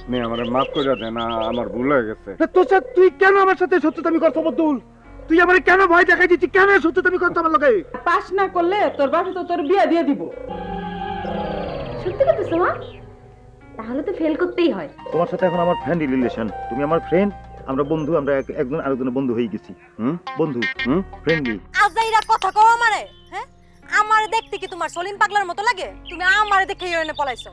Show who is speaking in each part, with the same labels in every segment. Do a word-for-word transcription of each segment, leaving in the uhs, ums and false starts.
Speaker 1: নে আমার মাফ করে দেন, আমার ভুল হয়ে গেছে।
Speaker 2: তোর সাথে তুই কেন আমার সাথে সত্যতামি করছো বদুল? তুই আমার কেন ভয় দেখাই দিচ্ছিস? কেন সত্যতামি করছো আমার লগে?
Speaker 3: পাস না করলে তোর বাসা তো তোর বিয়ে দিয়ে দিব।
Speaker 4: সত্যি কথা মা? তাহলে তো ফেল করতেই হয়।
Speaker 5: তোমার সাথে এখন আমার ফ্রেন্ড রিলেশন, তুমি আমার ফ্রেন্ড, আমরা বন্ধু, আমরা এক- একজন আরেকজনের বন্ধু হয়ে গেছি।
Speaker 1: হুম
Speaker 5: বন্ধু,
Speaker 1: হুম
Speaker 5: ফ্রেন্ডলি।
Speaker 6: আজাইরা কথা কও আমারে, হ্যাঁ? আমারে দেখতে কি তোমার সলিম পাগলার মতো লাগে? তুমি আমারে দেখে এনে পলাইছো।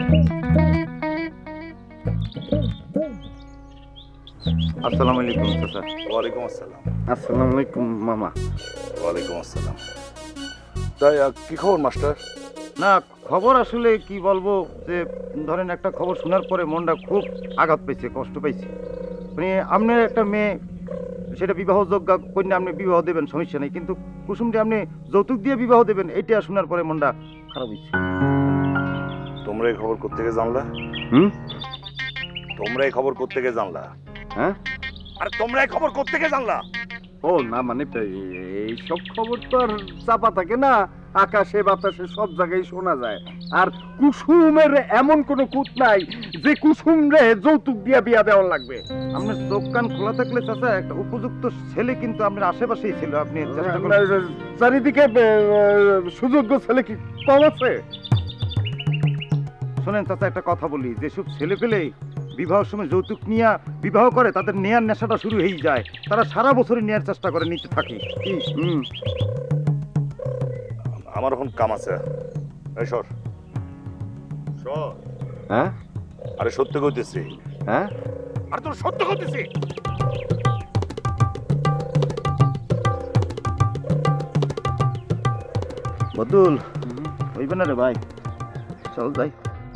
Speaker 5: আসসালামু আলাইকুম চাচা।
Speaker 7: ওয়ালাইকুম আসসালাম।
Speaker 1: আসসালামু আলাইকুম মামা।
Speaker 7: ওয়ালাইকুম আসসালাম। তাই আহ, কি খবর মাস্টার?
Speaker 5: না, খবর আসলে কি বলবো, যে ধরেন একটা খবর শোনার পরে মনটা খুব আঘাত পাইছে, কষ্ট পাইছে। মানে আপনার একটা মেয়ে, সেটা বিবাহযোগ্য কন্যা, আপনি বিবাহ দেবেন সমস্যা নেই, কিন্তু কুসুমটি আপনি যৌতুক দিয়ে বিবাহ দেবেন, এটা শোনার পরে মনটা খারাপ হয়েছে।
Speaker 7: তোমরা এই খবর কোত্থেকে জানলা?
Speaker 1: হুম
Speaker 7: তোমরা এই খবর কোত্থেকে জানলা?
Speaker 1: হ্যাঁ
Speaker 7: আরে তোমরা এই খবর কোত্থেকে জানলা?
Speaker 1: ও না, মানে এই সব খবর তো আর চাপা থাকে না, আকাশে বাতাসে সব জায়গায় শোনা যায়। আর কুসুমের এমন কোনো কুত নাই যে কুসুম রে যৌতুক দিয়া বিয়া দেওয়া লাগবে।
Speaker 5: আপনার চোখ কান খোলা থাকলে চাচা একটা উপযুক্ত ছেলে কিন্তু আপনার আশেপাশেই ছিল, আপনি চেষ্টা করলে।
Speaker 1: চারিদিকে আহ, সুযোগ্য ছেলে কি কম আছে?
Speaker 5: শোনেন চাচা, একটা কথা বলি, যেসব ছেলে পেলে বিবাহের সময় যৌতুক নিয়ে বিবাহ করে, তাদের নেয়ার নেশাটা শুরু হয়ে যায়, তারা সারা বছরই নেয়ার চেষ্টা করে, নিতে থাকে। কি
Speaker 1: হুম
Speaker 7: আমার এখন কাম আছে। এই সর সর।
Speaker 1: হ্যাঁ
Speaker 7: আরে সত্য কইতেছি।
Speaker 1: হ্যাঁ
Speaker 7: আরে তোর সত্য কইতেছি।
Speaker 5: বদুল, হইবে না রে ভাই, চল যাই।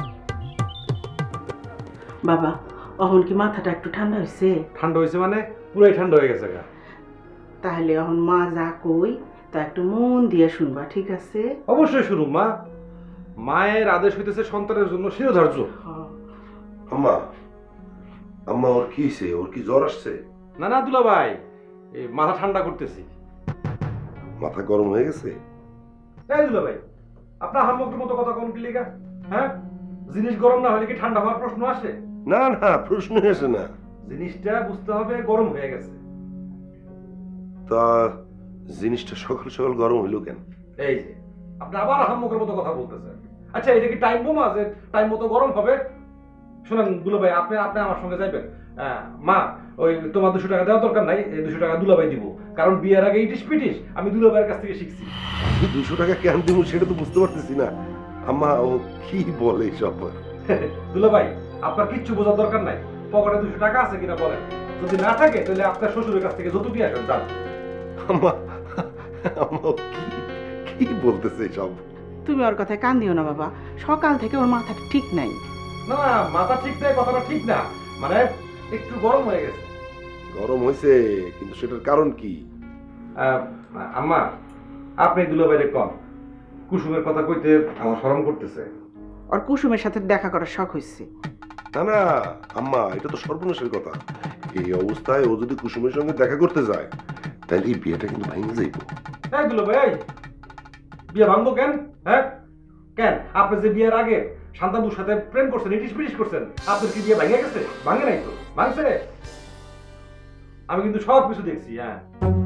Speaker 3: বাবা, অহন কি মাথাটা একটু ঠান্ডা হয়েছে?
Speaker 2: ঠান্ডা হয়েছে মানে পুরাই ঠান্ডা হয়ে গেছে গা।
Speaker 3: তাহলে অহন মা যা কই তা একটু মন দিয়ে শুনবা, ঠিক আছে?
Speaker 2: অবশ্যই শুনুন মা, মায়ের আদেশ হইতেছে সন্তানের জন্য শিরোধার্য।
Speaker 3: হ্যাঁ।
Speaker 8: আম্মা আম্মা ওর কি হয়েছে? ওর কি জ্বর আসছে?
Speaker 2: না না দুলা ভাই, এই মাথা ঠান্ডা করতেছি।
Speaker 8: মাথা গরম হয়ে গেছে?
Speaker 2: এই দুলা ভাই, আপনার হামকের মতো কথা কোন কি লিগা? হ্যাঁ, জিনিস গরম না হলে কি ঠান্ডা হওয়ার প্রশ্ন আসে?
Speaker 8: না না, প্রশ্ন আসে না।
Speaker 2: জিনিসটা বুঝতে হবে গরম হয়ে গেছে।
Speaker 8: তা জিনিসটা সকাল সকাল গরম হইলো কেন?
Speaker 2: এই যে আপনি আবার হামকের মতো কথা বলতেছেন। আচ্ছা, এটা কি টাইম বোমা যে টাইম মতো গরম হবে? শুনেন দুলা ভাই, আপনি আপনি আমার সঙ্গে যাইবেন। আহ, মা, ওই তোমার দুশো টাকা দেওয়ার দরকার নাই, এই দুশো টাকা দুলা ভাই দিব, কারণ বিয়ের আগে ইটিস পিটিস আমি দুলা ভাইয়ের কাছ থেকে শিখছি।
Speaker 8: দুশো টাকা কেন দিব সেটা তো বুঝতে পারতেছি না। আম্মা ও কি বলে সব?
Speaker 2: দুলা ভাই, আপনার কিচ্ছু বোঝার দরকার নাই, পকেটে দুশো টাকা আছে কিনা বলেন। যদি না থাকে তাহলে আপনার শ্বশুরের কাছ থেকে যত দিয়ে আসেন যান।
Speaker 8: আম্মা আম্মা ও কি কি বলতেছে সব?
Speaker 3: তুমি ওর কথায় কান দিও না বাবা, সকাল থেকে ওর মাথাটা ঠিক নাই।
Speaker 2: না না, মাথা ঠিক নাই কথাটা ঠিক না, মানে একটু গরম হয়ে গেছে।
Speaker 8: গরম হয়েছে, কিন্তু সেটার কারণ কি?
Speaker 2: আহ, আম্মা, আপনি দুলা ভাইরে কম, কুসুমের কথা কইতে আমার শরম করতেছে।
Speaker 3: ওর কুসুমের সাথে দেখা করার শখ হয়েছে।
Speaker 8: না না আম্মা, এটা তো সর্বনাশের কথা। এই অবস্থায় ও যদি কুসুমের সঙ্গে দেখা করতে যায় তাহলে এই বিয়েটা কিন্তু ভেঙে যাইব।
Speaker 2: এই দুলা ভাই, বিয়ে ভাঙবো কেন? হ্যাঁ কেন? আপনি যে বিয়ের আগে শান্তাবুর সাথে প্রেম করছেন, ইটিস পিটিস করছেন, আপনার কি বিয়ে ভেঙে গেছে? ভাঙে নাই তো? ভাঙছে? আমি কিন্তু সব কিছু দেখছি। হ্যাঁ,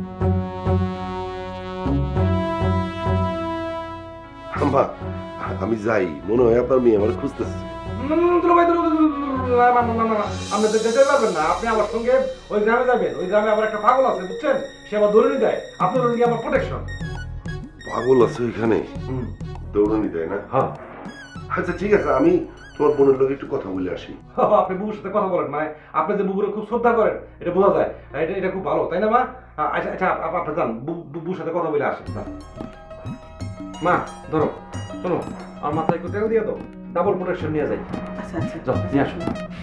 Speaker 8: আম্মা আমি যাই, মনে হয় আপনার মেয়ে আমার খুঁজতেছে।
Speaker 2: দুলা ভাই, দুলা- দুলা- দুলা- না, না, না, না, না, আপনি তো যেতে পারবেন না। আপনি আমার সঙ্গে ওই গ্রামে যাবেন। ওই গ্রামে আবার একটা পাগল আছে, বুঝছেন? সে আবার দৌড়ি দেয়, আপনার ওর আমার প্রোটেকশন।
Speaker 8: পাগল আছে ওইখানে? দৌড়ানি দেয় না?
Speaker 2: হ্যাঁ,
Speaker 8: আচ্ছা ঠিক আছে, আমি তোমার বোনের লোক একটু কথা বলে আসি।
Speaker 2: আপনি বুবুর সাথে কথা বলেন, মানে আপনি যে বুবুরে খুব শ্রদ্ধা করেন এটা বোঝা যায়। এটা এটা খুব ভালো, তাই না মা? আচ্ছা আচ্ছা, আপ- আপনি যান, বু- বুবুর সাথে কথা বলে আসেন। যান। মা ধরো, শোনো, আমার মাথায় একটু তেল দিয়ে দাও, ডাবল প্রোটেকশন নিয়ে যাই।
Speaker 3: আচ্ছা আচ্ছা,
Speaker 2: যাও, নিয়ে আসুন।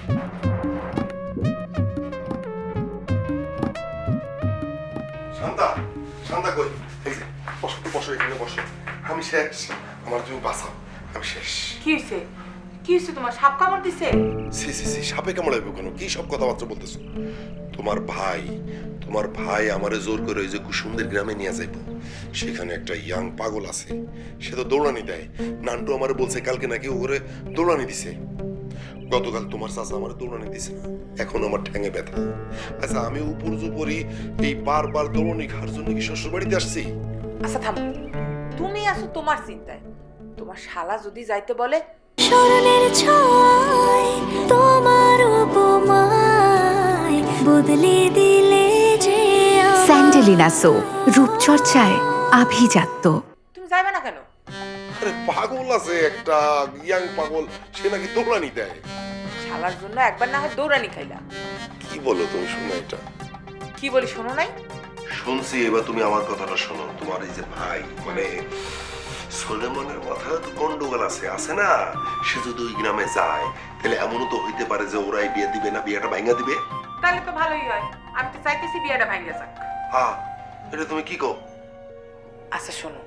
Speaker 8: শান্তা, শান্তা কই? এই যে, বসো বসো, এখানে বসো। আমি শেষ, আমার তুমি বাঁচাও, আমি শেষ।
Speaker 9: কি হয়েছে? কি হয়েছে তোমার? সাপ কামড় দিছে?
Speaker 8: সি সি সি, সাপে কামড়াইব কেন? কি সব কথাবার্তা বলতেছো? তোমার ভাই তোমার ভাই আমারে জোর করে ওই যে কুসুমদের গ্রামে নিয়ে যাইব। সেখানে একটা ইয়াং পাগল আছে, সে তো দৌড়ানি দেয়। নান্টু আমারে বলছে কালকে নাকি ও করে দৌড়ানি দিছে। গতকাল তোমার চাচা আমার দৌড়ানি দিছে না, এখন আমার ঠ্যাঙে ব্যথা। আচ্ছা আমি উপর উপরই এই বারবার দৌড়ানি খাওয়ার জন্য কি শ্বশুর বাড়িতে আসছি?
Speaker 9: আচ্ছা থাম, তুমি আসো তোমার চিন্তায়, তোমার শালা যদি যাইতে বলে
Speaker 10: স্মরণের ছয় তোমার উপমায় বদলে দিলে যে
Speaker 11: স্যান্ডেলিনা সো রূপচর্চায় আভিজাত্য।
Speaker 9: তুমি যাইবে না কেন?
Speaker 8: আরে পাগল আছে একটা ইয়াং পাগল, সে নাকি দৌড়ানি দেয়।
Speaker 9: শালার জন্য একবার না হয় দৌড়ানি খাইলা।
Speaker 8: কি বলো তুমি? শোনো এটা
Speaker 9: কি বলি শোনো নাই?
Speaker 8: শুনছি, এবার তুমি আমার কথাটা শোনো। তোমার এই যে ভাই মানে সোলেমানের মাথায় তো গন্ডগোল আছে আছে না? সে যদি ওই গ্রামে যায় তাহলে এমনও তো হইতে পারে যে ওরাই বিয়ে দিবে না, বিয়েটা ভাঙা দিবে।
Speaker 9: তাহলে তো ভালোই হয়, আমি তো চাইতেছি বিয়েটা ভাঙিয়া যাক।
Speaker 8: হ্যাঁ, এটা তুমি কি কও?
Speaker 9: আচ্ছা শোনো,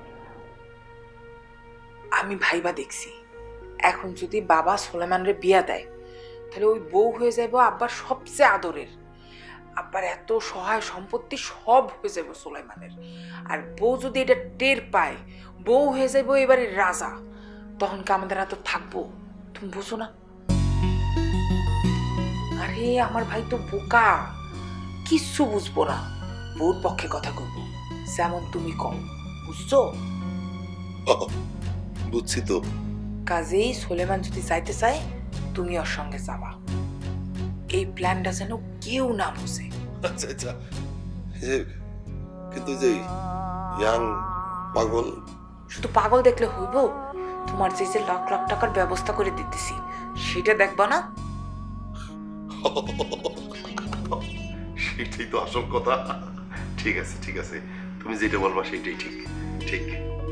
Speaker 9: আমি ভাইবা দেখছি, এখন যদি বাবা সোলেমানরে বিয়া দেয় তাহলে ওই বউ হয়ে যাবো আব্বার সবচেয়ে আদরের। আব্বার এত সহায় সম্পত্তি সব হয়ে যাবো সোলেমানের। আর বউ যদি এটা টের পায়, বউ হয়ে যাবো এবারে রাজা, তখন কি আমাদের এত থাকবো? তুমি বুঝো না? আরে আমার ভাই তো বোকা, কিচ্ছু বুঝবো না, বউর পক্ষে কথা কইব, যেমন তুমি কম, বুঝছো?
Speaker 8: বুঝছি তো।
Speaker 9: কাজেই সোলেমান যদি যাইতে চায় তুমি ওর সঙ্গে যাবা, এই প্ল্যানটা যেন কেউ না বুঝে।
Speaker 8: আচ্ছা আচ্ছা, কিন্তু যে ইয়াং পাগল,
Speaker 9: শুধু পাগল দেখলে হইব? তোমার যে যে লাখ লাখ টাকার ব্যবস্থা করে দিতেছি সেটা দেখবা না?
Speaker 8: সেটাই তো আসল কথা। ঠিক আছে ঠিক আছে, তুমি যেটা বলবা সেটাই ঠিক ঠিক।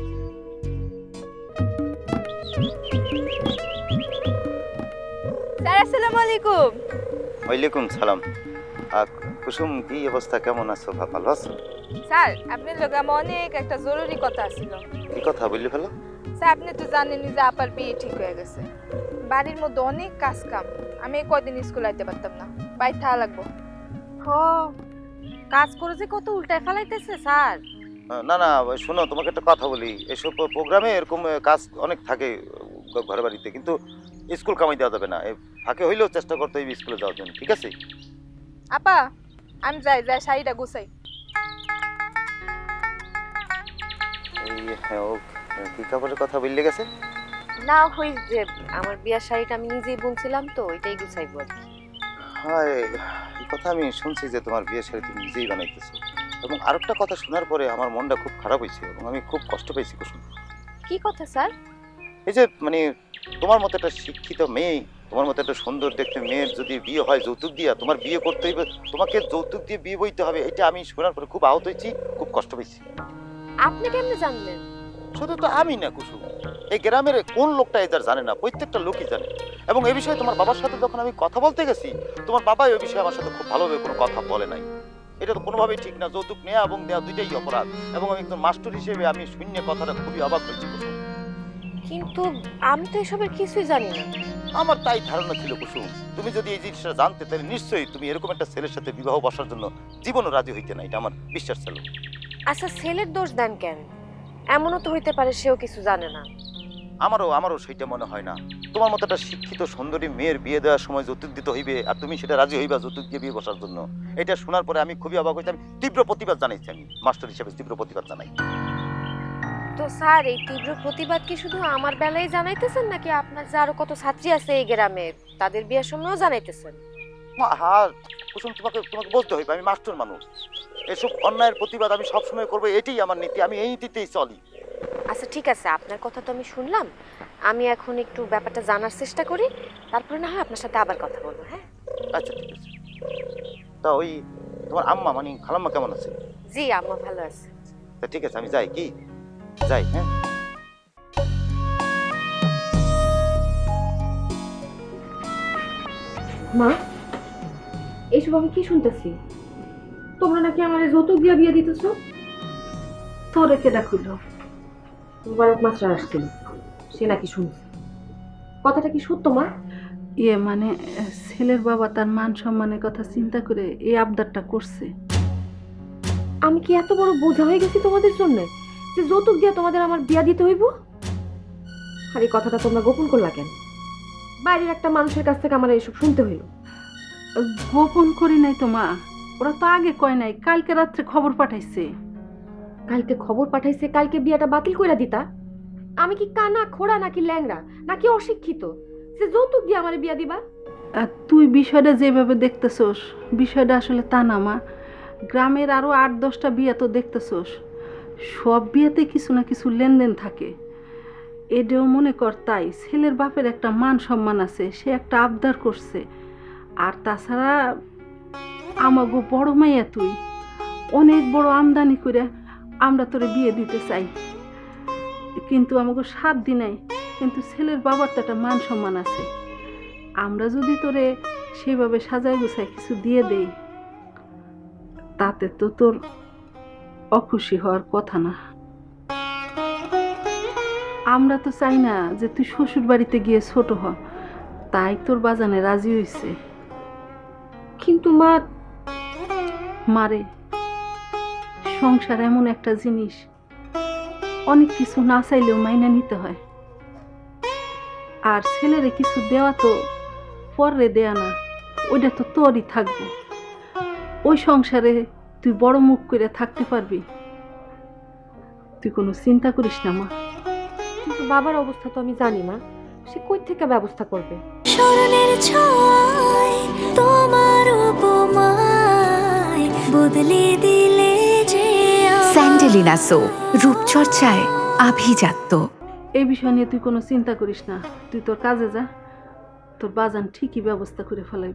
Speaker 4: স্যার আসসালামু আলাইকুম।
Speaker 5: ওয়ালাইকুম সালাম। আহ, কুসুম, কি অবস্থা, কেমন আছো? ভালো আছো?
Speaker 4: স্যার আপনার লগে আমার অনেক একটা জরুরি কথা ছিল।
Speaker 5: কি কথা বললি? ফেলো।
Speaker 4: স্যার আপনি তো জানেনই যে আপার বিয়ে ঠিক হয়ে গেছে, বাড়ির মধ্যে অনেক কাজ কাম, আমি কয়দিন স্কুল আইতে পারতাম না, বাইরে থাকা লাগবো।
Speaker 6: হ, কাজ করে যে কত উল্টায় ফেলাইতেছে স্যার।
Speaker 5: না না, শোনো, তোমাকে একটা কথা বলি, এসব প্রোগ্রামে এরকম কাজ অনেক থাকে ঘরে বাড়িতে, কিন্তু স্কুল কামাই দেওয়া যাবে না। ফাঁকে হইলেও চেষ্টা করতে হইবে স্কুলে যাওয়ার জন্য, ঠিক আছে?
Speaker 4: আপা আমি যাই যাই শাড়িটা গুছাই।
Speaker 5: এই হ্যাঁ, ও কি কাপড়ের কথা বললে গেছে?
Speaker 6: না হই যে আমার বিয়ার শাড়িটা আমি নিজেই বুনছিলাম তো, ওইটাই গুছাইবো আর কি।
Speaker 5: হ্যাঁ, এই কথা আমি শুনছি যে তোমার বিয়ের শাড়ি তুমি নিজেই বানাইতেছো, এবং আরেকটা কথা শোনার পরে আমার মনটা খুব খারাপ হয়েছে এবং আমি খুব কষ্ট পেয়েছি কুসুম।
Speaker 6: কি কথা স্যার?
Speaker 5: এই যে মানে তোমার মতো একটা শিক্ষিত মেয়ে, তোমার মতো একটা সুন্দর দেখতে মেয়ের যদি বিয়ে হয় যৌতুক দিয়া, তোমার বিয়ে করতে হইবে, তোমাকে যৌতুক দিয়ে বিয়ে বইতে হবে, এটা আমি শোনার পরে খুব আহত হয়েছি, খুব কষ্ট পেয়েছি।
Speaker 6: আপনি কেমনে জানলেন?
Speaker 5: শুধু তো আমি না কুসুম, এই গ্রামের কোন লোকটা এদের জানে না? প্রত্যেকটা লোকই জানে। এবং এই বিষয়ে তোমার বাবার সাথে যখন আমি কথা বলতে গেছি, তোমার বাবা এই বিষয়ে আমার সাথে খুব ভালোভাবে কোনো কথা বলে নাই। এটা তো কোনোভাবেই ঠিক না, যৌতুক নেওয়া এবং দেওয়া দুইটাই অপরাধ। এবং আমি একজন মাস্টার হিসেবে আমি শূন্য কথাটা খুবই অবাক হয়েছি কুসুম।
Speaker 6: কিন্তু আমি তো এসবের কিছুই জানি না।
Speaker 5: আমার তাই ধারণা ছিল কুসুম, তুমি যদি এই জিনিসটা জানতে তাহলে নিশ্চয়ই তুমি এরকম একটা ছেলের সাথে বিবাহ বসার জন্য জীবনও রাজি হইতে না, এটা আমার বিশ্বাস ছিল।
Speaker 6: আচ্ছা ছেলের দোষ দেন কেন? এমনও তো হইতে পারে সেও কিছু জানে না।
Speaker 5: আমারও আমারও সেইটা মনে হয় না। তোমার মতো একটা শিক্ষিত সুন্দরী মেয়ের বিয়ে দেওয়ার সময় যৌতুক দিতে হইবে আর তুমি সেটা রাজি হইবা যৌতুক দিয়ে বিয়ে বসার জন্য, এটা শোনার পরে আমি খুবই অবাক হয়েছি। আমি তীব্র প্রতিবাদ জানাইছি, আমি মাস্টার হিসেবে তীব্র প্রতিবাদ জানাই।
Speaker 6: তো স্যার এই তীব্র প্রতিবাদ কি শুধু আমার বেলায় জানাইতেছেন নাকি আপনার যে আরো কত ছাত্রী আছে এই গ্রামে তাদের বিয়ের সময়ও জানাইতেছেন?
Speaker 5: হ্যাঁ কুসুম, তোমাকে তোমাকে বলতে হইবে আমি মাস্টার মানুষ, এসব অন্যায়ের প্রতিবাদ আমি সবসময় করবো, এটাই আমার নীতি, আমি এই নীতিতেই চলি।
Speaker 6: আচ্ছা ঠিক আছে, আপনার কথা তো আমি শুনলাম, আমি এখন একটু ব্যাপারটা জানার চেষ্টা করি, তারপরে না হয় আপনার সাথে আবার কথা বলবো। হ্যাঁ
Speaker 5: আচ্ছা ঠিক আছে। তা ওই তোমার আম্মা মানে খালাম্মা কেমন আছে?
Speaker 6: জি আম্মা ভালো আছে।
Speaker 5: তা ঠিক আছে, আমি যাই, কি যাই? হ্যাঁ
Speaker 4: মা এইসব আমি কি শুনতেছি? তোমরা নাকি আমার যৌতুক দিয়া বিয়ে দিতেছো?
Speaker 3: তোরে কেডা কইল?
Speaker 4: মুবারক মাস্টার আসছিল, সে নাকি শুনছে। কথাটা কি সত্য মা?
Speaker 3: ইয়ে মানে ছেলের বাবা তার মান সম্মানের কথা চিন্তা করে এই আবদারটা করছে।
Speaker 4: আমি কি এত বড় বোঝা হয়ে গেছি তোমাদের জন্য যে যৌতুক দিয়া তোমাদের আমার বিয়া দিতে হইব? আর এই কথাটা তোমরা গোপন করলা কেন?
Speaker 6: বাইরের একটা মানুষের কাছ থেকে আমার এইসব শুনতে হইল।
Speaker 3: গোপন করি নাই তো মা, ওরা তো আগে কয় নাই, কালকে রাত্রে খবর পাঠাইছে।
Speaker 6: কালকে খবর পাঠাইছে কালকে বিয়াটা বাতিল কইরা দিতা? আমি কি কানা খোড়া নাকি ল্যাংড়া নাকি অশিক্ষিত সে যৌতুক দিয়ে আমার বিয়া দিবা?
Speaker 3: আর তুই বিষয়টা যেভাবে দেখতেছোস, বিষয়টা আসলে তা না মা। গ্রামের আরো আট দশটা বিয়ে তো দেখতেছোস, সব বিয়েতে কিছু না কিছু লেনদেন থাকে। এটাও মনে কর তাই, ছেলের বাপের একটা মান সম্মান আছে, সে একটা আবদার করছে। আর তাছাড়া আমাগো বড় মাইয়া তুই, অনেক বড় আমদানি করে আমরা তোরে বিয়ে দিতে চাই, কিন্তু আমাকে সাত দিনাই, কিন্তু ছেলের বাবার তো একটা মান সম্মান আছে। আমরা যদি তোরে সেভাবে সাজায় গুছায় কিছু দিয়ে দেই, তাতে তো তোর অখুশি হওয়ার কথা না। আমরা তো চাই না যে তুই শ্বশুর বাড়িতে গিয়ে ছোট হ, তাই তোর বাজানে রাজি হইছে।
Speaker 6: কিন্তু মা,
Speaker 3: মারে, সংসার এমন একটা জিনিস, অনেক কিছু না চাইলেও মাইনা নিতে হয়। আর ছেলেরে কিছু দেওয়া তো পরে দেয়া না, ওইটা তো তোরই থাকবে। ওই সংসারে তুই বড় মুখ করে থাকতে পারবি, তুই কোনো চিন্তা করিস না মা।
Speaker 6: কিন্তু বাবার অবস্থা তো আমি জানি মা, সে কই থেকে ব্যবস্থা করবে?
Speaker 10: স্মরণের ছয় তোমার উপমায় বদলে দিলে যে
Speaker 11: স্যান্ডেলিনা সো, রূপচর্চায় আভিজাত্য।
Speaker 3: এই বিষয় নিয়ে তুই কোনো চিন্তা করিস না, তুই তোর কাজে যা, তোর বাজান ঠিকই ব্যবস্থা করে ফেলাইব।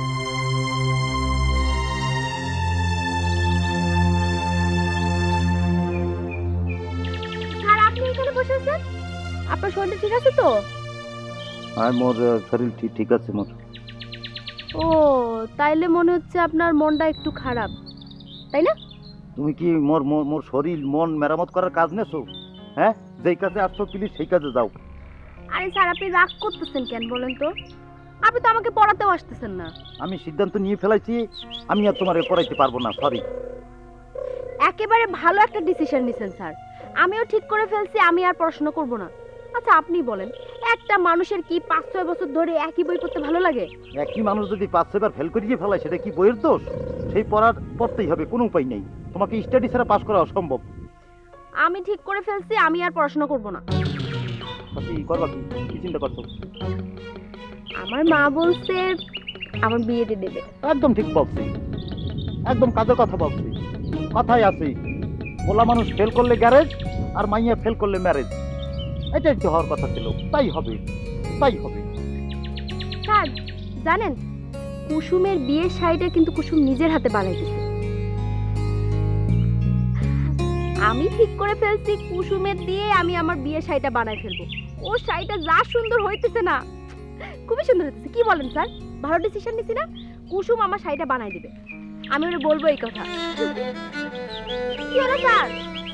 Speaker 6: স্যার আপনি এখানে বসে আছেন? আপনার শরীর ঠিক আছে তো?
Speaker 5: আর মোর আহ, শরীর ঠিক ঠিক আছে মোর।
Speaker 6: ও তাইলে মনে হচ্ছে আপনার মনটা একটু খারাপ, তাই না?
Speaker 5: তুমি কি মোর মোর মোর শরীর মন মেরামত করার কাজ নেছো? হ্যাঁ, যেই কাজে আসছো প্লিজ সেই কাজে যাও।
Speaker 6: আরে স্যার আপনি রাগ করতেছেন কেন বলেন তো? আপনি তো আমাকে পড়াতেও আসতেছেন না।
Speaker 5: আমি সিদ্ধান্ত নিয়ে ফেলাইছি, আমি আর তোমারে পড়াইতে পারবো না, সরি।
Speaker 6: একেবারে ভালো একটা ডিসিশন নিছেন স্যার, আমিও ঠিক করে ফেলছি আমি আর পড়াশোনা করব না। আচ্ছা আপনি বলেন, একটা মানুষের কি পাঁচ ছয় বছর ধরে একই বই পড়তে ভালো লাগে?
Speaker 5: একই মানুষ যদি পাঁচ ছয়বার ফেল করিয়ে ফেলায় সেটা কি বইয়ের দোষ? সেই পড়ার পড়তেই হবে, কোনো উপায় নেই। তোমাকে স্টাডি ছাড়া পাস করা অসম্ভব।
Speaker 6: আমি ঠিক করে ফেলছি আমি আর পড়াশোনা করব না।
Speaker 5: কি করবা, কি কি চিন্তা করছো?
Speaker 6: আমার মা বলছে আমার বিয়ে দিয়ে দেবে।
Speaker 5: একদম ঠিক বলছি, একদম কাজের কথা বলছি। কথাই আছে, বলা মানুষ ফেল করলে গ্যারেজ আর মাইয়া ফেল করলে ম্যারেজ। এটাই তো হওয়ার কথা ছিল, তাই হবে, তাই হবে।
Speaker 6: স্যার জানেন, কুসুমের বিয়ের শাড়িটা কিন্তু কুসুম নিজের হাতে বানাইতেছে। আমি ঠিক করে ফেলছি কুসুমের দিয়ে আমি আমার বিয়ের শাড়িটা বানাই ফেলবো। ও শাড়িটা যা সুন্দর হইতেছে না, খুবই সুন্দর হইতেছে। কি বলেন স্যার, ভালো ডিসিশন নিছি না? কুসুম আমার শাড়িটা বানাই দিবে, আমি ওরে বলবো এই কথা। কি হলো স্যার?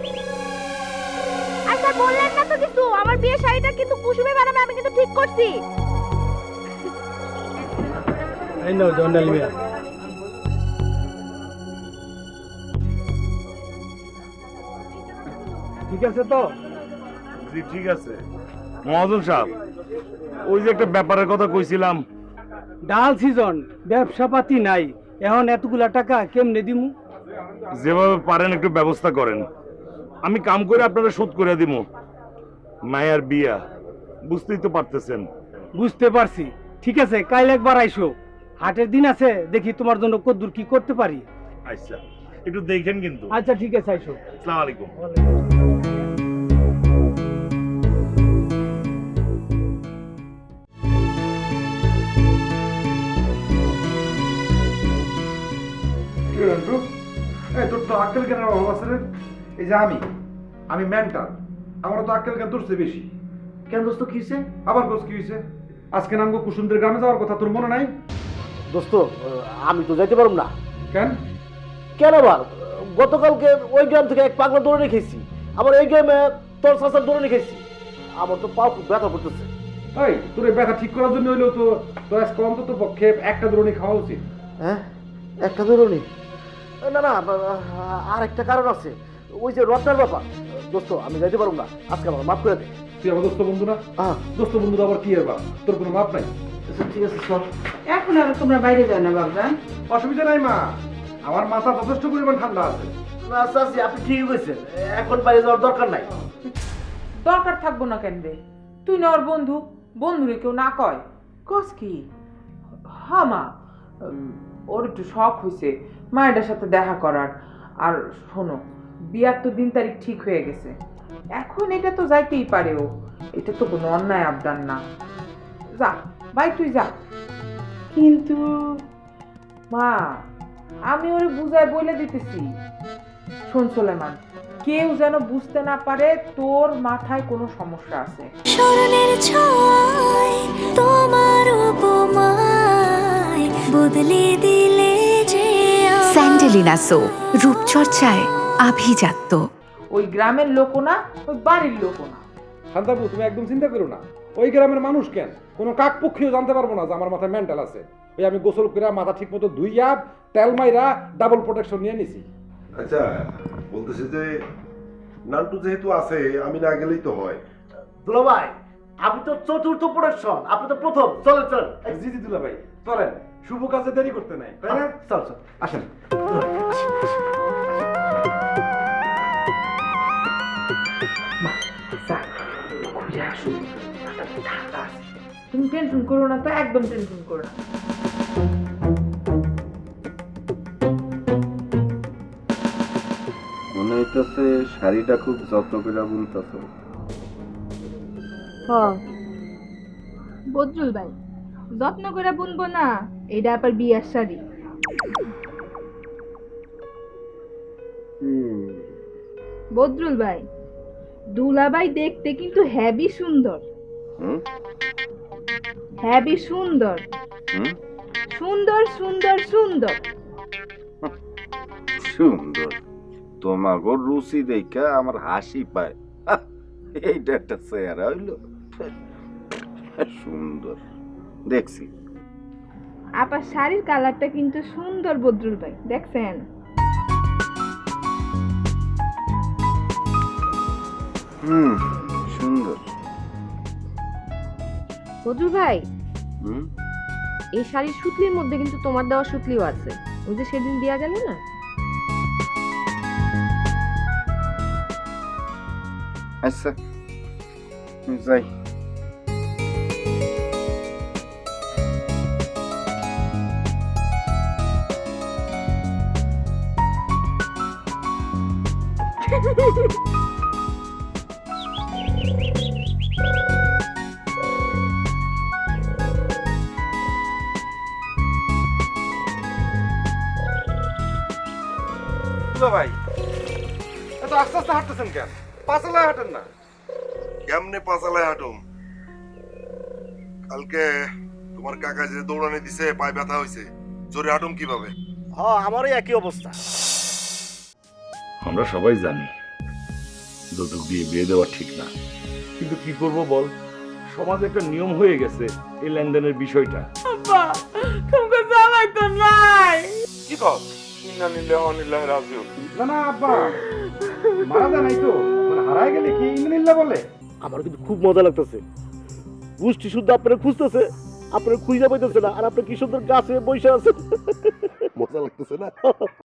Speaker 6: আর স্যার বললেন না তো কিছু, আমার বিয়ের শাড়িটা কিন্তু কুসুমে বানাবে, আমি কিন্তু ঠিক করছি।
Speaker 2: এই নাও জন্ডাল মিয়া। ঠিক আছে তো?
Speaker 7: জি ঠিক আছে। মহাজন সাহেব, ওই যে একটা ব্যাপারের কথা কইছিলাম,
Speaker 12: ডাল সিজন, ব্যবসা পাতি নাই, এখন এতগুলা টাকা কেমনে দিমু?
Speaker 7: যেভাবে পারেন একটু ব্যবস্থা করেন, আমি কাম করে আপনারা শোধ করে দিব। মায়ের বিয়া, বুঝতেই তো পারতেছেন।
Speaker 12: বুঝতে পারছি, ঠিক আছে, কাল একবার আইসো, হাটের দিন আছে, দেখি তোমার জন্য কদ্দুর কি করতে পারি।
Speaker 7: আচ্ছা একটু দেখেন কিন্তু।
Speaker 12: আচ্ছা ঠিক আছে, আইসো।
Speaker 7: আসসালামু আলাইকুম।
Speaker 2: এই তোর তো আক্কেল জ্ঞানের অভাব আছে রে। এই যে আমি আমি মেন্টাল, আমারও তো আক্কেল জ্ঞান তোর চেয়ে বেশি।
Speaker 12: কেন দোস্ত কি হয়েছে?
Speaker 2: আবার দোষ কি হয়েছে? আজকে নামগো কুসুমদের গ্রামে যাওয়ার কথা তোর মনে নাই?
Speaker 12: দোস্ত আমি তো যাইতে পারব না।
Speaker 2: কেন?
Speaker 12: কেন আবার? গতকালকে ওই গ্রাম থেকে এক পাগলা দৌড়ে রেখেছি, আবার এই গ্রামে তোর চাচার দৌড়ে রেখেছি, আমার তো পা খুব ব্যথা করতেছে।
Speaker 2: এই তোর এই ব্যথা ঠিক করার জন্য হইলেও তো তোর আজকে অন্তত পক্ষে একটা দ্রোণী খাওয়া উচিত।
Speaker 12: হ্যাঁ, একটা দৌড়নি? না না, আর একটা কারণ আছে, ওই যে রত্নার ব্যাপার। দোস্ত আমি যাইতে পারব না, আজকে আমার মাফ করে দে।
Speaker 2: তুই আমার দোস্ত বন্ধু না?
Speaker 12: হ্যাঁ
Speaker 2: দোস্ত বন্ধুরা আবার কি এর বাপ? তোর কোনো মাপ নাই?
Speaker 12: আচ্ছা, ঠিক আছে চল।
Speaker 9: এখন আর তোমরা বাইরে যাও না বাবজান।
Speaker 2: অসুবিধা নাই মা, আমার মাথা যথেষ্ট পরিমাণ ঠান্ডা আছে।
Speaker 12: না চাচি আপনি ঠিকই কইছেন, এখন বাইরে যাওয়ার দরকার নাই।
Speaker 9: দরকার থাকবো না কেন রে? তুই না ওর বন্ধু, বন্ধুরে কেউ না কয়? কস কি? হ্যাঁ মা, উম, ওর একটু শখ হয়েছে মায়ের সাথে দেখা করার। আর শোনো, বিয়ার তো দিন তারিখ ঠিক হয়ে গেছে, এখন এটা তো যাইতেই পারে। ও এটা তো কোনো অন্যায় আবদার না। যা ভাই তুই যা। কিন্তু মা, আমি ওরে বুঝায় বলে দিতেছি, শোন সোলেমান, কেউ যেন বুঝতে না পারে তোর মাথায় কোনো সমস্যা আছে।
Speaker 10: স্মরণের ছয় তোমার উপমায় বদলে দিলে যে আমায়।
Speaker 11: স্যান্ডেলিনা সো রূপচর্চায় আভিজাত্য।
Speaker 9: ওই গ্রামের লোকও না, ওই বাড়ির লোকও না।
Speaker 2: শান্তাবু, তুমি একদম চিন্তা করো না। ওই গ্রামের মানুষ কেন, কোনো কাক পক্ষীও জানতে পারবো না যে আমার মাথায় মেন্টাল আছে। ওই আমি গোসল করে মাথা ঠিক মতো ধুইয়া তেল মাইরা ডাবল প্রোটেকশন নিয়ে নিছি।
Speaker 8: আচ্ছা, বলতেছি যে নান্টু যেহেতু আছে, আমি না গেলেই তো হয়।
Speaker 12: দুলা ভাই, আপনি তো চতুর্থ প্রোডাকশন, আপনি তো প্রথম। চলেন চলেন।
Speaker 2: জি জি দুলা ভাই, চলেন, শুভ কাজে দেরি করতে নাই, তাই না?
Speaker 12: চল চল
Speaker 2: আসেন।
Speaker 9: তুমি টেনশন করো না তো, একদম টেনশন করো না।
Speaker 1: মনে হইতেছে শাড়িটা খুব যত্ন করে বুনতেছ।
Speaker 4: বদরুল ভাই, যত্ন করে বুনবো না, এটা আবার বিয়ার শাড়ি। বদরুল ভাই, দুলাভাই দেখতে কিন্তু হেভি সুন্দর।
Speaker 1: হুম
Speaker 4: হেভি সুন্দর,
Speaker 1: হুম
Speaker 4: সুন্দর সুন্দর সুন্দর।
Speaker 1: সুন্দর? তোমাগো রুচি দেখা আমার হাসি পায়। হাহ, এইটা একটা চেহারা হইল? সুন্দর দেখছি।
Speaker 4: আবার শাড়ির কালারটা কিন্তু সুন্দর বদরুল ভাই, দেখছেন?
Speaker 1: হুম, সুন্দর।
Speaker 6: বদরুল ভাই,
Speaker 1: হুম,
Speaker 6: এই শাড়ির সুতলির মধ্যে কিন্তু তোমার দেওয়া সুতলিও আছে, ওই যে সেদিন দেয়া গেল না।
Speaker 1: আচ্ছা যাই।
Speaker 2: দুলা ভাই, এত আস্তে আস্তে হাঁটতেছেন কেন? পাঁচালায় হাঁটেন না।
Speaker 8: কেমনে পাঁচালায় হাঁটুম? কালকে তোমার কাকা যে দৌড়ানি দিছে, পায়ে ব্যথা হয়েছে, জোরে হাঁটুম কিভাবে?
Speaker 12: হ্যাঁ, আমারই একই অবস্থা।
Speaker 7: আমরা সবাই জানি যৌতুক দিয়ে বিয়ে দেওয়া ঠিক না, কিন্তু কি করব বল, সমাজে একটা নিয়ম হয়ে গেছে এই লেনদেনের বিষয়টা।
Speaker 9: আব্বা, তোমাকে জামাই তো নাই।
Speaker 7: কি কস? ইন্না লিল্লাহি ওয়া ইন্না ইলাইহি রাজিউন।
Speaker 2: না না আব্বা, মারা যায় নাই তো, মানে হারায় গেলে কি ইন্দ্রিল্লা বলে?
Speaker 12: আমার কিন্তু খুব মজা লাগতেছে। পুষ্টি শুদ্ধ আপনারা খুঁজতেছে, আপনারা খুঁজে পাইতেছে না, আর আপনি কি সুন্দর গাছে বসে আছেন।
Speaker 8: মজা লাগতেছে না?